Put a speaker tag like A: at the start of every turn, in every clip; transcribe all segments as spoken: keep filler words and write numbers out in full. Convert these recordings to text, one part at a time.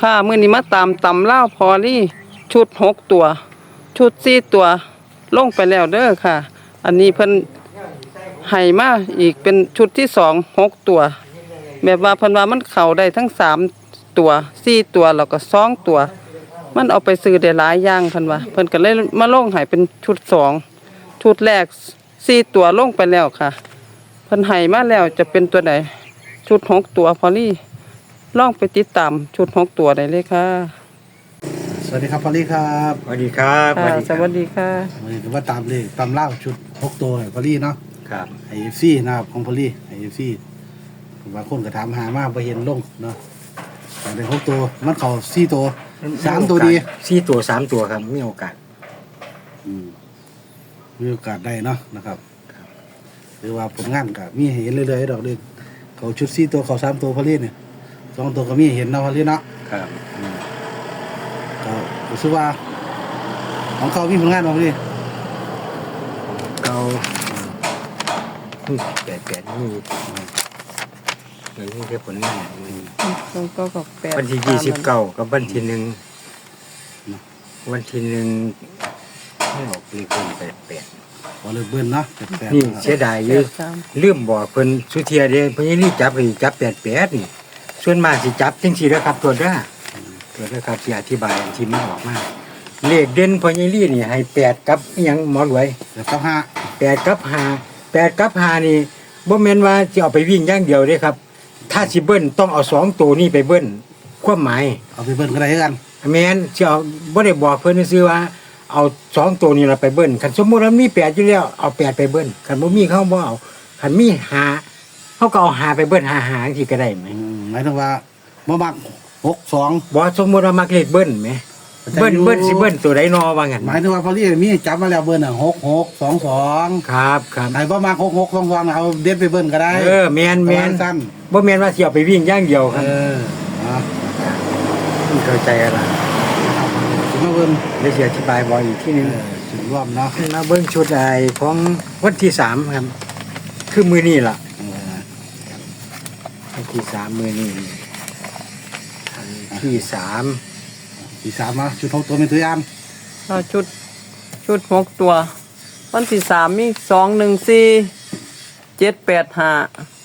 A: ค่ะมื้อนี้มาตามตำเล่าวพอลี่ชุดหกตัว ชุดสี่ตัวลงไปแล้วเด้อค่ะ อันนี้เพิ่นให้มาอีกเป็นชุดที่สองหกตัว แบบว่าเพิ่นว่ามันเข้าได้ทั้งสามตัวสี่ตัวแล้วก็สองตัว มันเอาไปซื้อได้หลายอย่างเพิ่นว่าเพิ่นก็เลยมาลงให้เป็นชุดสองชุดแรกสี่ตัวลงไปแล้วค่ะเพิ่นให้มาแล้วจะเป็นตัวไหนชุดหกตัวพอลี่ลองไปติดตามชุดหกตัวได้เลยค่ะ
B: สวัสดีครับพอลลี่ครับ
C: สวัสดีครับ
A: ค่ะสวัสดีค่ะ
B: วันนี้ถือว่าตามเลยตามเล่าชุดหกตัวให้พอลลี่เนาะ
C: ครับ
B: ไอเอฟซีนะครับของพอลลี่ไอเอฟซีบางคนก็ถามหามากไปเห็นลงเนาะแต่ในหกตัวมันเขาสี่ตัวสามตัวดี
C: สี่ตัวสามตัวครับมีโอกาส
B: อืมมีโอกาสได้เนาะนะครับหรือว่าผลงานก็มีให้เห็นเรื่อยๆดอกเด็กเขาชุดสี่ตัวเขาสามตัวพอลลี่เนี่ยสองตัวก็มีให้เห็นเนาะพอลลี่เนาะ
C: ครับ
B: ก็รู้สึกว่าของเขามีผลงานมาพอลลี่
C: เขาแปดแปดนี่เงินที่แค่ผลงาน
A: ตรงก็กับแปด
C: วันที่ยี่สิบเก้ากับวันที่หนึ่งวันที่หนึ่งให้ออกเลขเป็นแปดแปด
B: พอเลยเบิ้ลเนาะแปดๆ
C: นี่
B: นะครับ
C: เสียดายเยอะลืมบอกเพิ่นสุเทียเด้เพิ่นยังนี่จับเลยจับแปดแปดนี่ส่วนมากสิจับจังสี่แล้วครับตัวเด้อตัวเด้อครับที่อธิบายอันที่มันออกมาเลขเด่นพอยังนี่นี่ให้แปดกับอิหยังหมอรวย
B: เดี๋ยวก็ห้า
C: แปดกับห้าแปดกับห้านี่บ่แม่นว่าจะเอาไปวิ่งอย่างเดียวเด้ครับ ถ้าสิเบิ้ลต้องเอาสองตัวนี้ไปเบิ้ลความหมาย
B: เอาไปเบิ้ลก็ได้กัน
C: แม่นสิเอาบ่ได้บอกเพิ่นซื่อว่าเอาสองตัวนี้เราไปเบิ้ลคันสมมุติว่ามีแปดอยู่แล้วเอาแปดไปเบิ้ลคันบ่มีเขาบ่เอาคันมีห้าเขาก็เอาห้าไปเบิ้ลห้าห้าจังซี่ก็ได้ไหม
B: อืมหมายถึงว่าบ่มักหกสอง
C: บ่สมมุติว่ามักเลขเบิ้ลไหมเบิ้ลเบิ้ลสิเบิ้ลตัวใดนอว่างั้น
B: หมายถึงว่าพอลี่มีจับมาแล้วเบิ้ลอ่ะหกหกสองสอง
C: ครับครับ
B: ไหนบ่มักหกหกสองสองเอาเด็ดไปเบิ้ลก็ได้
C: เออแม่นแม่น
B: สั้น
C: บ่แม่นว่าสิเอาไปวิ่งอย่างเดียวค
B: เอ
C: รับ
B: ออ่ะ
C: เข้าใจอะไร
B: ถึงมาเบิ้ล
C: ได้สิอธิบายบ่อีกทีหนึง
B: เออถึงรอบเนาะ
C: มาเบิ้งชุดไอ้ของวันที่สามครับ คือมือนี่ล่ะ
B: เออ
C: วันที่สามมือนี่วันที่สาม
B: ที่สามเนาะชุดหกตัวเป็นตัวอย่าง
A: เอาชุดชุดหกตัว วันที่สามมีสองหนึ่งสี่เจ็ดแปดห้า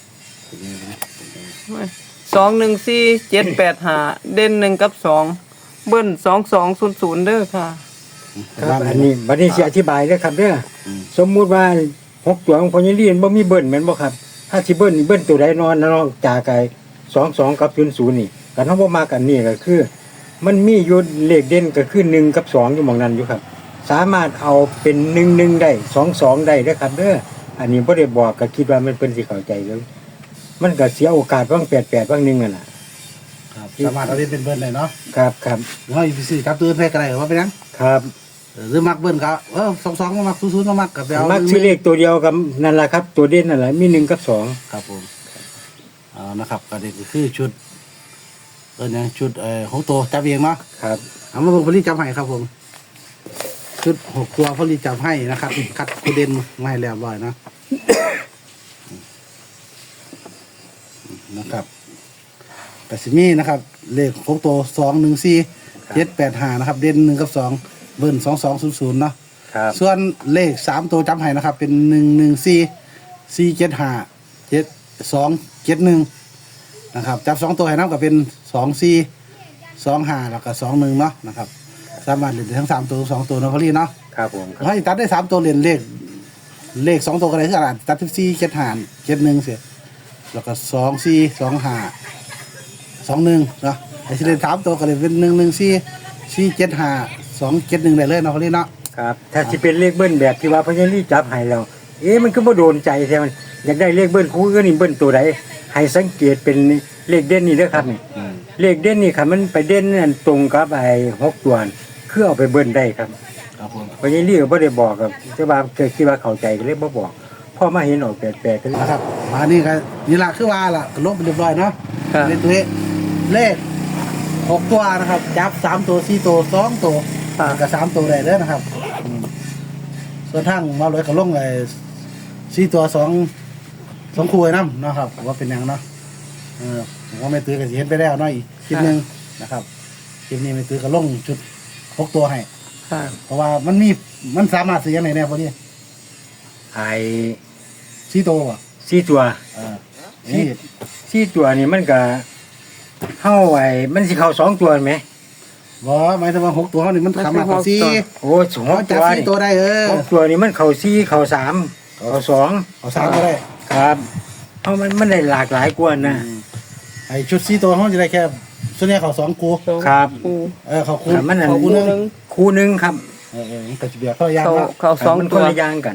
A: สองหนึ่งสี่เจ็ดแปดห้าเด่นหนึ่งกับสองเบิ้ลสองสองศูนย์ศูนย์เด้อค่ะ
C: ครับอันนี้บัดนี้สิอธิบายเด้อครับเด้อสมมุติว่าหกตัวของพญาลีนบ่มีเบิ้ลแม่นบ่ครับ ถ้าสิเบิ้ลนี่เบิ้ลตัวใดนอนนอกจากไอ้สองสองกับศูนย์ศูนย์นี่กันเฮาบ่มากันนี่ก็คือ มันมีอยู่เลขเด่นก็คือหนึ่งกับสองอยู่หม่องนั้นอยู่ครับ สามารถเอาเป็นหนึ่งหนึ่งได้สองสองได้เด้อครับเด้ออันนี้บ่ได้บอกก็คิดว่ามันเพิ่นสิเข้าใจเลยมันก็เสียโอกาสว่างแปดแปดว่างหนึ่งอ่ะน่ะ
B: ครับสามารถเอาเด็ดเป็นเบิ้ลได้เนาะ
C: ครับครับ
B: เฮาอีพีสี่ครับตื่นให้ก็ได้ว่าเป็นหยัง
C: ครับ
B: เออหรือมักเบิ้ลก็เออสองสองบ่มักศูนย์ศูนย์บ่มักก็ไปเอา
C: มักซื้อเลขตัวเดียวกับนั่นแหละครับ ตัวเด่นนั่นแหละมีหนึ่งกับสอง
B: ครับผมเอานะครับก็นี่ก็คือชุดเออเนี่ยชุดเอ่อหกตัวจับเองเนาะ
C: ครับ
B: เอามาเบิ่งพอลี่จับให้ครับผมชุดหกตัวพอลี่จับให้นะครับคัดคูเด่นมาให้เรียบร้อยนะนะครับแต่สิมีนะครับเลขหกตัวสองหนึ่งสี่เจ็ดแปดห้านะครับ เด่นหนึ่งกับสองเบิ้ลสองสองศูนย์ศูนย์เนาะ
C: ครับ
B: ส่วนเลขสามตัวจำให้นะครับ เป็นหนึ่งหนึ่งสี่สี่เจ็ดห้าเจ็ดสองเจ็ดหนึ่งนะครับจับสองตัวให้น้ำกับเป็นสองสี่สองห้าแล้วก็สองหนึ่งเนาะนะครับสามารถเล่นได้ทั้งสามตัวสองตัวนะพอลี่เนาะ
C: ครับผมครับ
B: ถ้าตัดได้สามตัวเล่นเลขเลขสองตัวก็ได้คืออะไรตัดที่สี่เจ็ดห้าเจ็ดหนึ่งเสียแล้วก็สองสี่สองห้าสองหนึ่งเนาะไอ้ที่เล่นสามตัวก็เลยเป็นหนึ่งหนึ่งสี่สี่เจ็ดห้าสองเจ็ดหนึ่งได้เลยเนาะพอลี่เนาะ
C: ครับ ถ้าสิเป็นเลขเบิ้ลแบบที่ว่าพญาลีจับให้แล้วเอ๊ะมันก็บ่โดนใจแท้มันอยากได้เลขเบิ้ลคู่ก็นี่เบิ้ลตัวใดให้สังเกตเป็นเลขเด่นนี่เด้อครับนี่เลขเด่นนี่ครับมันไปเด่นนั่นตรงกับไอ้หกตัวนั่นคือเอาไปเบิ้ลได้ครับ
B: ครับผม
C: พญาลีก็บ่ได้บอกครับแต่ว่าเคยคิดว่าเข้าใจก็เลยบ่บอกพอมาเห็นออกแปลกๆก็เลย
B: นะครับมานี่ก็นี่ละคือว่าล่ะก็ลบไปเรียบร้อยเนาะ
A: ค่ะ
B: ในตัวเลขหกตัวนะครับจับสามตัวสี่ตัวสองตัวกับสามตัวได้เลยนะครับอืมส่วนทางมาเลยก็ลงเลยสี่ตัวสองสองคู่ไอ้น้ำเนาะครับว่าเป็นหยังเนาะเออผมว่าไม่ตื้อก็สิเห็นไปแล้วเนาะอีกคลิปหนึงนะครับคลิปนี้ไม่ตื้อก็ลงชุดหกตัวให้
A: ค่ะ
B: เพราะว่ามันมีมันสามารถซื้อยังไงแน่พอดี
C: ไอ้
B: สี่ตัวอ่ะ
C: สี่ตัว
B: อ่านี่
C: สี่ตัวนี่มันก็เข้าไอ้มันสิเข้าสองตัวไหม
B: บ่หมายถึงว่าหกตัวเขานี่มันสามารถเข้าสี่
C: โอ้สอง
B: เขาจับ
C: ตัว
B: สี่
C: นี่
B: ตัวได้เออ
C: หกตัวนี่มันเข้าสี่เข้าสามเข้าสอง
B: เอาสามก็ได้
C: ครับเพราะมันมันได้หลากหลายกว่านะ
B: ไอ้ชุดสี่ตัวเขาจะได้แค่ส่วนใหญ่เขาสองกู
C: ครับ
A: ครู
B: เออเขาคู
C: แต่มันอัน
B: เขาคู
A: คู่
B: นึง
A: หนึง
C: คู่หนึ่งครับ
B: เออเออแต่จะเบียดเขายาก
A: เขา
B: มาก
A: เขาสอง
C: มันค
A: ตัวน
C: ละอย่างกัน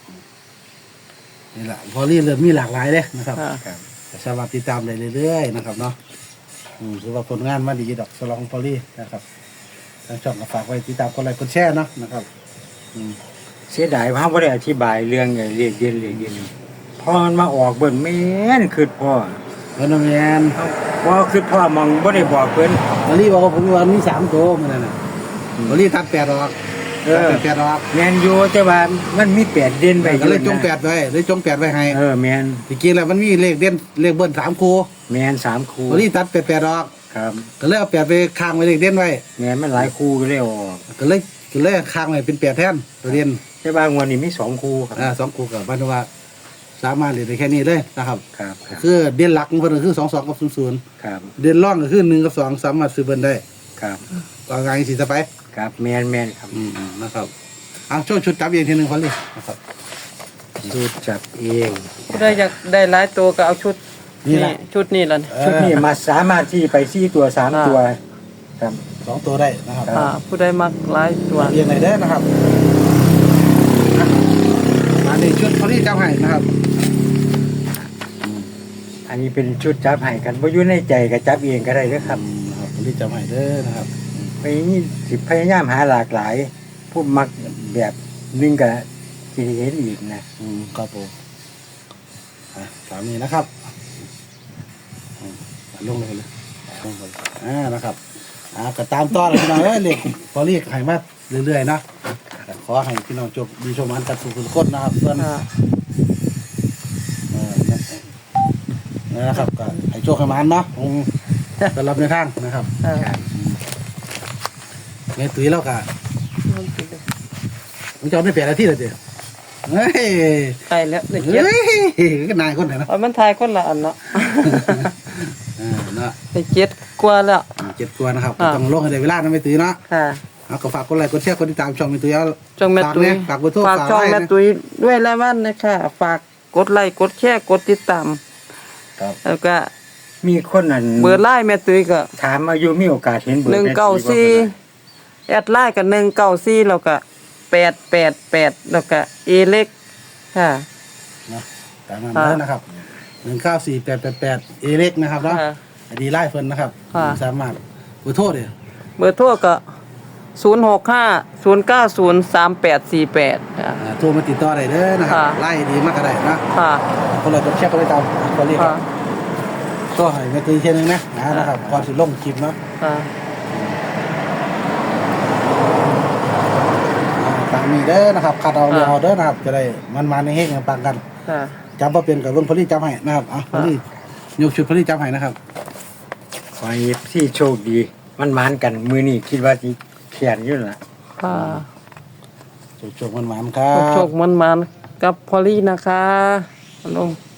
B: นี่แหละพอรีเริ่มมีหลากหลายเลยนะครับ
A: ค่ะ
C: ครับ
B: แต่สามารถติดตามได้เรื่อยๆนะครับเนาะอืมถือว่าผลงานมาดีดอกสลองพอลี่นะครับทางช่องก็ฝากไว้ติดตามกดไลค์กดแชร์เนาะนะครับอืม
C: เสียดายว่าไม่ได้อธิบายเรื่องไงเรียกเรียนเรียกเรียนพอมันมาออกเบิ่นแม่นคือพ่อ
B: เพิ่นว่าแมน
C: ว่าคือพ่อมองบ่ได้บอกเพิ่น
B: พอลี่บอกว่าผมว่ามีสามตัวมันนั่นน่ะพอลี่ตัดแปดออก
C: เอ
B: ตัด
C: อ
B: แปดออก
C: แมนอยู่แต่ว่ามันมีแปดเด่นไปอ
B: ก็
C: ยู่
B: เลยจง
C: นะ
B: แปดไว้เลยจงแปดไว้ให้
C: เออแมน
B: ตะกี้แล้วมันมีเลขเด่นเลขเบิ้ลสามคู่
C: แมนสามคู่
B: พอลี่ตัดแปดแปดออก
C: ครับ
B: ก็เลยเอาแปดไปค้างไว้เลขเด่นไว้
C: แมนมันหลายคู่ก็เลยออก
B: ก็เลยก็เลยค้างไว้เป็นแปดแทนตัวเด่น
C: แต่ว่างวดนี้มีสองคู่ครับ
B: อ่าสองคู่กับบ้านว่าสามารถเรียนได้แค่นี้เลยนะครับ
C: ครับครับ
B: คือเด่นหลักของเพิ่นก็คือสองสองกับศูนย์ศูนย์
C: ครับ
B: เด่นร่องก็คือหนึ่งกับสองสามารถซื้อเบิ่นได้
C: ครับ
B: ก็งานสิจะไป
C: ครับแมนแมนครับ
B: อืมๆนะครับเอาช่วยชุดจับเองทีหนึงพอลี่นะครับ
C: สูตรจับเอง
A: ผู้ใดอยากได้หลายตัวก็เอาชุด
B: นี่แหละ
A: ชุดนี้ล่ะ
B: เออ
C: ชุดนี้มาสามารถที่ไปสี่ตัวสาม
A: อ่า
C: ตัวครับ
B: สองตัวได้นะครับ
A: อ่าผู้ใดมักหลายตัว
B: เรียนไหนได้อนะครับอ่ะมาในชุดพอลี่จับให้นะครับ
C: อันนี้เป็นชุดจับให้กันบ่อยู่ในใจก็จับเองก็ได้เด้อครับ
B: อืมนะครับพอลี่จับให้เด้อนะครับ
C: ไปนี่สิพยายามหาหลากหลาย ผู้มักแบบนึงกับที่เห็นอีกนะ
B: อืมครับผมอ่ะตามนี้นะครับอืมลงเลยเลยลงเลยอ่านะครับอ่าก็ตามต่อเลยพี่น้องเอ้ยเล็กพอลี่ให้มาเรื่อยๆนะขอให้พี่น้องจบดีชมอันกัดสู่คุณคนนะครับเพื่อน
A: อ่า
B: เออนั่นนะครับก็ให้โชคให้มันเนาะผมก็รับในทางนะครับ
A: เออ
B: เงี้ยตุ้ยแล้วก็ผมจะเอาไม่เปลี่ยนอะไรที่เลยเดียวเฮ้ย
A: ใกล้แล้วได้
B: เฮ้
A: เจ็ด
B: ยก็นายคนไหนนะ
A: เอามันทายคนละอันเนาะ
B: อ่าเนาะ
A: ได้เจ็ดกว่าแล้ว
B: เจ็ดตัวนะครับ
A: อ่า
B: ต้องลงให้ได้เวลานะไม่ตุ้ยเนาะ
A: ค่ะ
B: เอาก็ฝากกดไลค์กดแชร์กดติดตามช่องไม่ตุ้ยเอา
A: จงแม่ตุ้ย
B: ฝากเบอร์โทร
A: ฝาก
B: ฝาก
A: ช่อง
B: ไลน์
A: แม่
B: นะ
A: ตุ้ยด้วยแล้ววันนะคะฝากกดไลค์กดแชร์กดติดตาม
B: ครับ
A: แล้วก็
C: มีคนนั้น
A: เบอร์ไลน์แม่ตุ้ยก็
C: ถามอายุมีโอกาสเห็นเบอร์
A: หนึ่ง
C: แม่
A: เก้า
C: ตีบ่
A: สี่
C: เป็นไร
A: แอดไลน์กับหนึ่งเก้าสี่แล้วก็แปดแปดแปดแล้วก็เอเล็กค่ะ
B: เนาะตามนั้นเลยนะครับหนึ่งเก้าสี่แปดแปดแปดเอเล็กนะครับเนาะ
A: ค่ะ
B: ไอดีไล่เพิ่นนะครับ
A: ค่ะ
B: สามารถขอโทษเลย
A: เบอร์โทรก็ศูนย์หกห้าศูนย์เก้าศูนย์สามแปดสี่แปดค่ะ
B: อ่าโทรมาติดต่อได้เด้อนะครับ
A: ค่ะ
B: ไล่ดีมากก็ได้นะ
A: ค่ะ
B: คนเราจะเช็คก็ไปตามคนนี้ค
A: ค่ะ
B: รับก็ให้แม่ตุ้ยเช่นนึงนะนะนะครับก่อนสิลงคลิปเนาะ
A: ค่ะ
B: อ่าตามนี้เด้อนะครับคัดเอาเรือเอาเด้อนะครับ จะได้มันมาในเฮงกันปังกัน
A: ค่ะ
B: จำว่าเป็นกับลุงพลีจำให้นะครับอ่ะพลียกชุดพลีจำให้นะครับ
C: ขอให้ที่โชคดี มันมานกันมือนี้คิดว่าสิเขียนอยู่ล่ะ
A: ค่ะ
B: โชคๆมันๆครั
A: โช
B: บ
A: คมันมันๆกับพอลลี่นะคะลง